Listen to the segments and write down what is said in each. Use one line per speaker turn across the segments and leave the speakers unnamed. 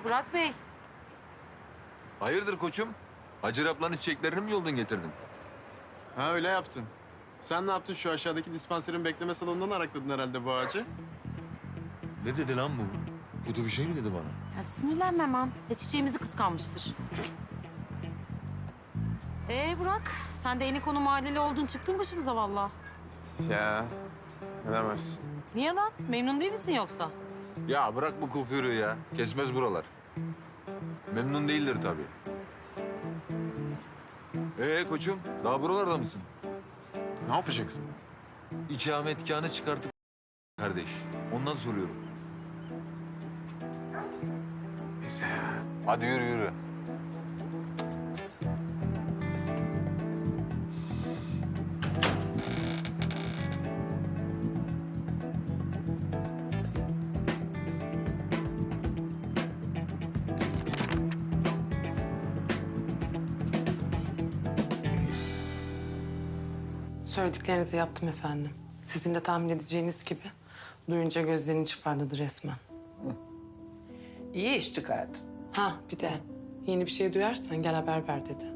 Burak Bey.
Hayırdır koçum? Hacı ablanın çiçeklerini mi yoldan getirdin?
Ha öyle yaptım. Sen ne yaptın? Şu aşağıdaki dispanserin bekleme salonundan arakladın herhalde bu ağacı.
Ne dedi lan bu? Kötü bir şey mi dedi bana?
Ya sinirlenme aman. Ya çiçeğimizi kıskanmıştır. Burak, sen de Eniko'nun mahalleli oldun. Çıktın başımıza vallahi.
Ya ne demezsin.
Niye lan? Memnun değil misin yoksa?
Ya bırak bu kul kuyruğu ya. Kesmez buralar. Memnun değildir tabii. Koçum, daha buralarda mısın?
Ne yapacaksın?
İkametgahını çıkartıp kardeş. Ondan soruyorum.
Neyse ya.
Hadi yürü yürü.
Söylediklerinizi yaptım efendim. Sizin de tahmin edeceğiniz gibi duyunca gözlerini çıkardı resmen.
İyi iş çıkardın.
Ha bir de yeni bir şey duyarsan gel haber ver dedi.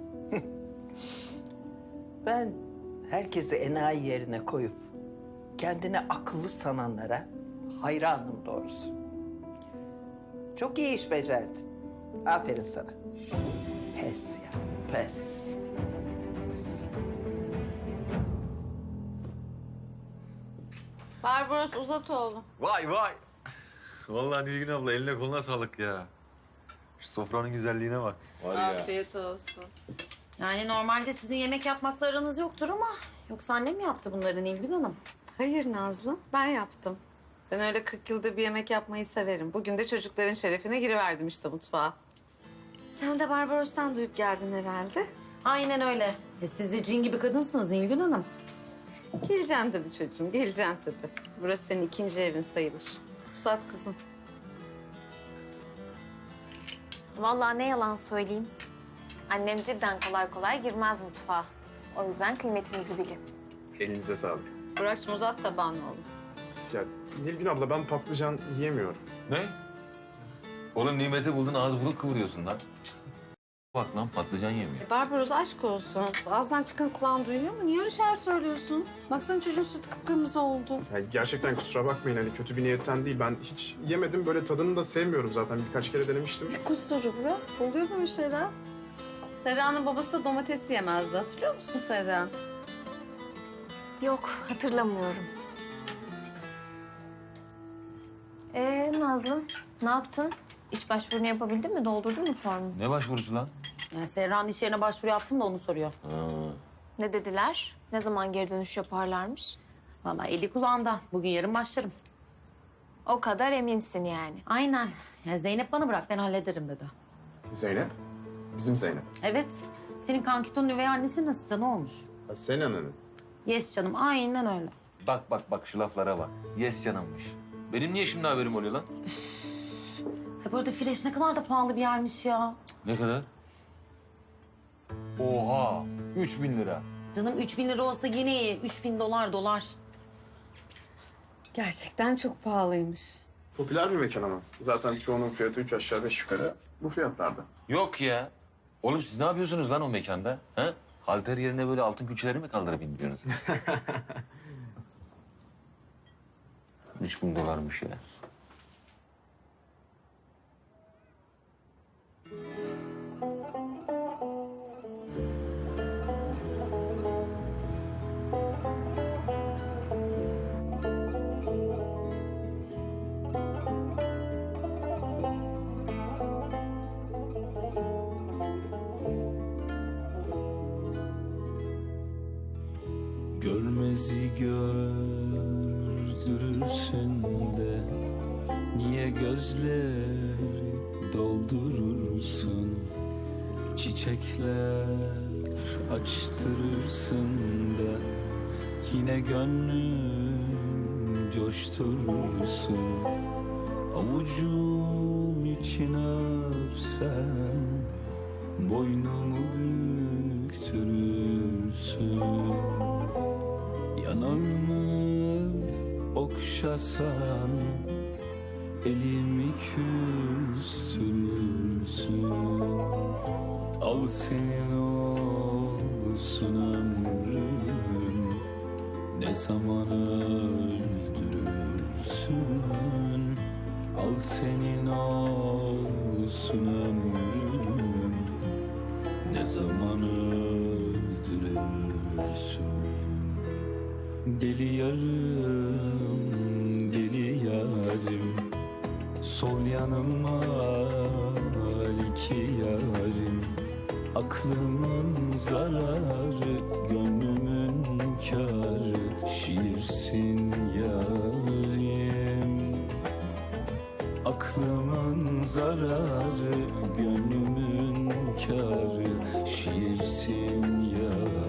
Ben herkesi enayi yerine koyup kendini akıllı sananlara hayranım doğrusu. Çok iyi iş becerdin. Aferin sana. Pes ya, pes.
Barbaros Uzatoğlu.
Vay vay. Vallahi Nilgün abla eline koluna sağlık ya. Şu sofranın güzelliğine bak. Var ya.
Afiyet olsun.
Yani normalde sizin yemek yapmakla aranız yoktur ama... Yoksa annem mi yaptı bunları Nilgün Hanım?
Hayır Nazlı, ben yaptım. Ben öyle 40 yıldır bir yemek yapmayı severim. Bugün de çocukların şerefine giriverdim işte mutfağa. Sen de Barbaros'tan duyup geldin herhalde.
Aynen öyle. Siz de cin gibi kadınsınız Nilgün Hanım.
Geleceksin tabii çocuğum, geleceksin tabii. Burası senin ikinci evin sayılır. Pusat kızım.
Vallahi ne yalan söyleyeyim. Annem cidden kolay kolay girmez mutfağa. O yüzden kıymetinizi bilin.
Elinize sağlık.
Burak'cığım uzat tabağını oğlum.
Ya Nilgün abla ben patlıcan yiyemiyorum.
Ne? Oğlum nimeti buldun ağız buruk kıvırıyorsun lan. Cık. Bak lan patlıcan yemiyor.
Barbaros aşk olsun. Ağzından çıkan kulağın duyuyor mu? Niye öyle şeyler söylüyorsun? Baksana çocuğun sütü kıpkırmızı oldu.
Ya gerçekten kusura bakmayın hani kötü bir niyetten değil. Ben hiç yemedim böyle tadını da sevmiyorum zaten. Birkaç kere denemiştim.
Kusuru bırak. Oluyor böyle şeyler. Serra'nın babası da domates yemezdi. Hatırlıyor musun Serra?
Yok, hatırlamıyorum. Nazlı, ne yaptın? İş başvurunu yapabildin mi? Doldurdun mu formu?
Ne başvurusu lan?
Yani Serra'nın iş yerine başvuru yaptım da onu soruyor.
Ne dediler? Ne zaman geri dönüş yaparlarmış?
Vallahi eli kulağında. Bugün yarın başlarım.
O kadar eminsin yani.
Aynen. Yani Zeynep bana bırak ben hallederim dedi.
Zeynep? Bizim Zeynep.
Evet. Senin kankitonun üvey annesinin asistanı olmuş.
Ha, senin ananın.
Yes canım aynen öyle.
Bak şu laflara bak. Yes canımmış. Benim niye şimdi haberim oluyor lan?
Ya bu arada Fresh ne kadar da pahalı bir yermiş ya.
Ne kadar? Oha! 3000 lira.
Canım 3000 lira olsa yine iyi. 3000 dolar.
Gerçekten çok pahalıymış.
Popüler bir mekan ama. Zaten çoğunun fiyatı 3 aşağı 5 yukarı bu fiyatlarda.
Yok ya. Oğlum siz ne yapıyorsunuz lan o mekanda? Ha? Halter yerine böyle altın külçeleri mi kaldırıp indiriyorsunuz? 3000 dolarmış ya.
Görmezi gördürürsün de niye gözleri doldurursun? Çiçekler açtırırsın da yine gönlüm coşturursun. Avucum içine öpsem boynumu büktürürsün. Yanağımı okşasan elimi küstürürsün. Al senin olsun ömrüm, ne zaman öldürürsün. Al senin olsun ömrüm, ne zaman öldürürsün. Deli yarım, deli yarim, sol yanıma iki yarim. Aklımın zararı, gönlümün kârı, şiirsin yarim. Aklımın zararı, gönlümün kârı, şiirsin yarim.